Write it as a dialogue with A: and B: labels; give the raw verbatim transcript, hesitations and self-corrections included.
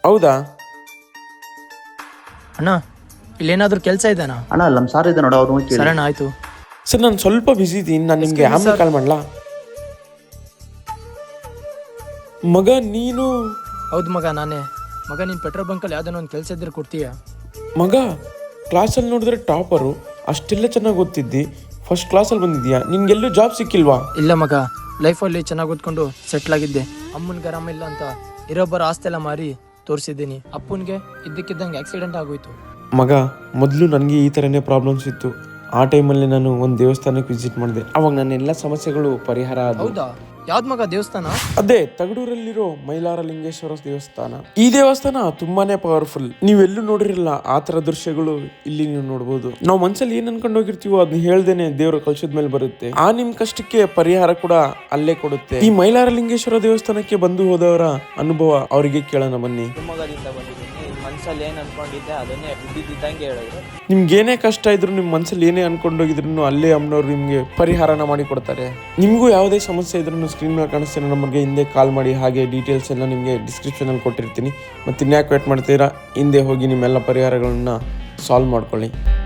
A: ಹೌದಾ?
B: ಅಣ್ಣ ಇಲ್ಲೇನಾದ್ರೂ ಕೆಲಸ ಇದೆನಾ?
C: ಅಣ್ಣ ನಮ್ಮ ಸಾರ್ ಇದೆ ನೋಡು, ಅವ್ರು ಕೇಳಿ.
B: ಸರಣ್ಣ ಆಯ್ತು.
A: ಸರ್ ನಾನು ಸ್ವಲ್ಪ ಬಿಸಿ ಇದ್ದೀನಿ, ನಾನು ನಿಮಗೆ
B: Excuse me,
A: ಆಮೇಲೆ
B: sir.
A: ಕಾಲ್ ಮಾಡಲಾ? ಮಗ ನೀನು?
B: ಹೌದು ಮಗ ನಾನೇ. ಮಗ ನೀನು ಪೆಟ್ರೋಲ್ ಬಂಕಲ್ಲಿ ಯಾವ್ದಾನ ಒಂದು ಕೆಲಸ ಇದ್ರೆ ಕೊಡ್ತೀಯಾ?
A: ಮಗ ಕ್ಲಾಸಲ್ಲಿ ನೋಡಿದ್ರೆ ಟಾಪರು, ಅಷ್ಟೆಲ್ಲ ಚೆನ್ನಾಗಿ ಓದ್ತಿದ್ದಿ, ಫಸ್ಟ್ ಕ್ಲಾಸಲ್ಲಿ ಬಂದಿದ್ಯಾ, ನಿನ್ಗೆಲ್ಲೂ ಜಾಬ್ ಸಿಕ್ಕಿಲ್ವಾ?
B: ಇಲ್ಲ ಮಗ, ಲೈಫಲ್ಲಿ ಚೆನ್ನಾಗಿ ಓದ್ಕೊಂಡು ಸೆಟ್ಲ್ ಆಗಿದ್ದೆ. ಅಮ್ಮನಿಗೆ ಆರಾಮ ಇಲ್ಲ ಅಂತ ಇರೋಬ್ಬರ ಆಸ್ತಿ ಎಲ್ಲ ಮಾರಿ ತೋರಿಸಿದ್ದೀನಿ. ಅಪ್ಪನಿಗೆ ಇದ್ದಕ್ಕಿದ್ದಂಗೆ ಆಕ್ಸಿಡೆಂಟ್ ಆಗೋಯ್ತು.
A: ಮಗ ಮೊದಲು ನನಗೆ ಈ ಥರನೇ ಪ್ರಾಬ್ಲಮ್ಸ್ ಇತ್ತು. ಆ ಟೈಮಲ್ಲಿ ನಾನು ಒಂದು ದೇವಸ್ಥಾನಕ್ಕೆ ವಿಸಿಟ್ ಮಾಡಿದೆ, ಅವಾಗ ನನ್ನ ಎಲ್ಲ ಸಮಸ್ಯೆಗಳು ಪರಿಹಾರ ಆದವು.
B: ಹೌದಾ? ಯಾವ್ದು ಮಗ ದೇವಸ್ಥಾನ?
A: ಅದೇ ತಗಡೂರಲ್ಲಿರೋ ಮೈಲಾರ ಲಿಂಗೇಶ್ವರ ದೇವಸ್ಥಾನ. ಈ ದೇವಸ್ಥಾನ ತುಂಬಾನೇ ಪವರ್ಫುಲ್. ನೀವೆಲ್ಲೂ ನೋಡಿರಲ್ಲ ಆ ತರ ದೃಶ್ಯಗಳು ಇಲ್ಲಿ ನೀವು ನೋಡಬಹುದು. ನಾವು ಮನ್ಸಲ್ಲಿ ಏನ್ ಅನ್ಕೊಂಡು ಹೋಗಿರ್ತೀವೋ ಅದನ್ನ ಹೇಳ್ದೇನೆ ದೇವರು ಕಳ್ಸದ ಮೇಲೆ ಬರುತ್ತೆ. ಆ ನಿಮ್ ಕಷ್ಟಕ್ಕೆ ಪರಿಹಾರ ಕೂಡ ಅಲ್ಲೇ ಕೊಡುತ್ತೆ. ಈ ಮೈಲಾರ ಲಿಂಗೇಶ್ವರ ದೇವಸ್ಥಾನಕ್ಕೆ ಬಂದು ಹೋದವರ ಅನುಭವ ಅವರಿಗೆ ಕೇಳೋಣ ಬನ್ನಿ.
D: ಶಿವಮೊಗ್ಗದಿಂದ ಬಂದಿದ್ದೀನಿ. ಮನ್ಸಲ್ಲಿ ಏನ್ ಅನ್ಕೊಂಡಿದ್ದೆ ಅದನ್ನೇ ಇದ್ದಿದ್ದಂಗೆ ಹೇಳಿದ್ರು.
A: ನಿಮ್ಗೆ ಏನೇ ಕಷ್ಟ ಇದ್ರು, ನಿಮ್ ಮನ್ಸಲ್ಲಿ ಏನೇ ಅನ್ಕೊಂಡೋಗಿದ್ರು ಅಲ್ಲೇ ಅಮ್ಮನವ್ರು ನಿಮ್ಗೆ ಪರಿಹಾರನ ಮಾಡಿ ಕೊಡ್ತಾರೆ. ನಿಮ್ಗೂ ಯಾವುದೇ ಸಮಸ್ಯೆ ಇದ್ರೂ ಸ್ಕ್ರೀನ್ ಮೇಲೆ ಕಾಣಿಸ್ತೀರ ನಮಗೆ ಹಿಂದೆ ಕಾಲ್ ಮಾಡಿ. ಹಾಗೆ ಡೀಟೇಲ್ಸ್ ಎಲ್ಲ ನಿಮಗೆ ಡಿಸ್ಕ್ರಿಪ್ಷನ್ ಅಲ್ಲಿ ಕೊಟ್ಟಿರ್ತೀನಿ. ಮತ್ತೆ ಇನ್ಯಾಕೆ ವೇಟ್ ಮಾಡ್ತೀರಾ, ಹಿಂದೆ ಹೋಗಿ ನಿಮ್ಮೆಲ್ಲ ಪರಿಹಾರಗಳನ್ನ ಸಾಲ್ವ್ ಮಾಡ್ಕೊಳ್ಳಿ.